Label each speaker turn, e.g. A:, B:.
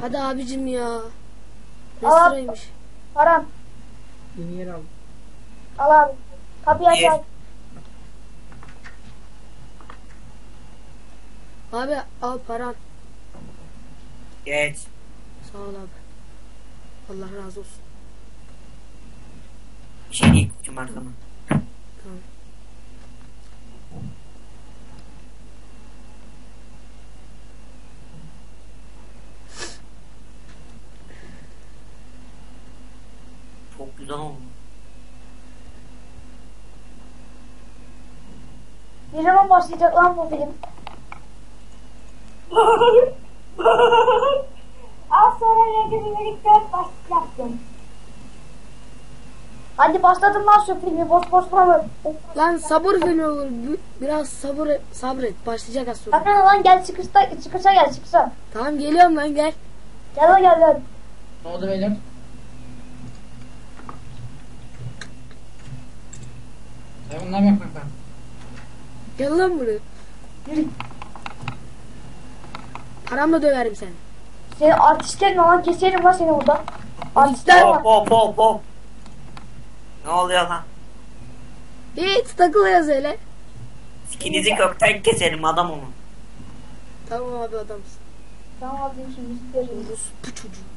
A: Hadi abicim ya. Ne
B: Al abi.
A: sıraymış.
B: Param.
C: Yeni yer aldım.
B: Al abi. Kapıyı aç abi.
A: Abi al paran.
D: Geç.
A: Sağ ol abi. Allah razı olsun.
D: Bir şey değil koçum her zaman.
A: Tamam.
D: Çok güzel oldu.
B: Ne zaman başlayacak lan bu film? Az sonra regülerik 4 başlayacaktım. Hadi başladım lan şu filmi, boş mı?
A: Lan sabır filmi olur. Biraz sabret. Başlayacak az sonra.
B: Sakın lan gel çıkışa gel çıkışa.
A: Tamam geliyorum lan gel.
B: Gel lan gel lan.
C: Ne oldu beyler? Ya bunlar bak.
A: Gel lan buraya.
B: Yürü.
A: Paramla döverim seni.
B: Seni artistlerle lan keserim lan seni burada. Artistler var.
D: Hop. Ne oluyor lan?
A: Hiç takılıyoruz öyle.
D: Sikinizi kökten keserim adam onu.
A: Tamam abi adamsın.
B: Tamam abi şimdi isterim.
A: Bu çocuğu.